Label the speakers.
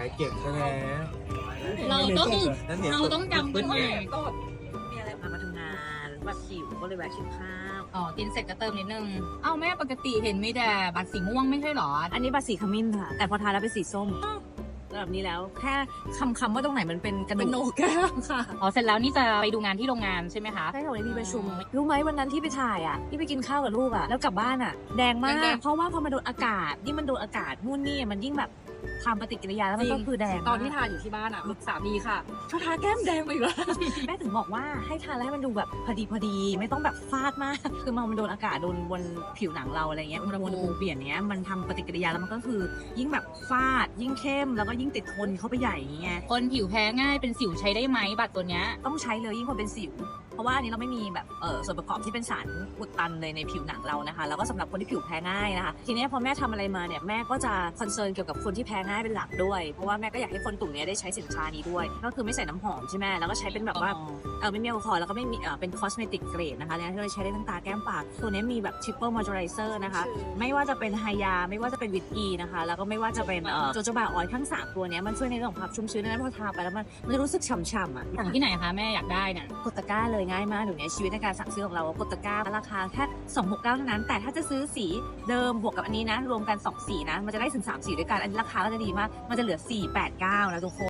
Speaker 1: ายเก็บใช่ไหม
Speaker 2: เราต้องจำกันใหม่
Speaker 3: มีอะไรมาทำงานแบบหิวก็เลยแวะกินข้าว
Speaker 2: อ๋อกินเสร็จก็เติมนิดนึงเอ้าแม่ปกติเห็นมีแต่บัตรสีม่วงไม่ใช่หรอ
Speaker 3: อันนี้บัตรสีขมิ้นค่ะ แต่พอทานแล้วเป็นสีส้มแบบนี้แล้วแค่คำว่าตรงไหนมันเป็นกระ
Speaker 2: เป็นโหน
Speaker 3: ดูก
Speaker 2: กแก้มค่ะอ๋อเสร็จแล้วนี่จะไปดูงานที่โรงงานใช่ไหมคะ
Speaker 3: ใช่ค่ะวันนี้มีประชุมรู้ไหมวันนั้นที่ไปถ่ายอ่ะที่ไปกินข้าวกับลูกอ่ะแล้วกลับบ้านอ่ะแดงมากเพราะว่าพอมาโดนอากาศยิ่งมันโดนอากาศนู่นนี่มันยิ่งแบบทำปฏิกิริยาแล้วมันก็คือแดง
Speaker 2: ตอนที่ทานอยู่ที่บ้านอ่ะสามีค่ะชอบทาแก้มแดงไปอีกแล้ว
Speaker 3: แม่ถึงบอกว่าให้ทานแล้วให้มันดูแบบพอดีไม่ต้องแบบฟาดมากคือมันโดนอากาศโดนบนผิวหนังเราอะไรเงี้ยอุณหภูมิเปลี่ยนเนี้ยมันทำปฏิกิริยาแล้วมันก็คือยิ่งแบบฟาดยิ่งเข้มแล้วก็ยิ่งติดทนเข้าไปใหญ่อย่างเงี้ย
Speaker 2: คนผิวแพ้ง่ายเป็นสิวใช้ได้ไหมบัตรตัวเนี้ย
Speaker 3: ต้องใช้เลยยิ่งคนเป็นสิวเพราะว่าอันนี้เราไม่มีแบบส่วนประกอบที่เป็นสารอุดตันเลยในผิวหนังเรานะคะแล้วก็สำหรับคนที่ผิวแพ้ง่ายนะคะทีนี้พอแม่ทำอะไรมาเนี่ยแม่ก็จะคอนเซิร์นเกี่ยวกับคนที่แพ้ง่ายเป็นหลักด้วยเพราะว่าแม่ก็อยากให้คนกลุ่มนี้ได้ใช้สินค้านี้ด้วยก็คือไม่ใส่น้ำหอมใช่ไหมแล้วก็ใช้เป็นแบบว่าไม่มีแอลกอฮอล์แล้วก็ไม่มีเป็นคอสเมติกเกรดนะคะเนี่ยที่เราใช้ได้ทั้งตาแก้มปากตัวนี้มีแบบ triple moisturizer นะคะไม่ว่าจะเป็นไฮยาไม่ว่าจะเป็นวิตอีนะคะแล้วก็ไม่ว่าจะเป็นโจโจบาออยล์ทั้ง3ตัวนี้มันช่วยในเรื่องของความชุ่มชื้นนั้นพอทาไปแล้วมันจะรู้สึกฉ่ำๆอ่ะ
Speaker 2: ของที่ไหนคะแม่อยากได้น่ะ
Speaker 3: กดตะกร้าเลยง่ายมากเดี๋ยวนี้ชีวิตในการสั่งซื้อของเรากดตะกร้าราคาแค่269เท่านั้นแต่ถ้าจะซื้อสีเดิมบวกกับอันนี้นะรวมกัน2สีนะมันจะได้ถึง3สีด้วยกันอันนี้ราคาก็จะดีมากมันจะเหลือ489นะทุกคน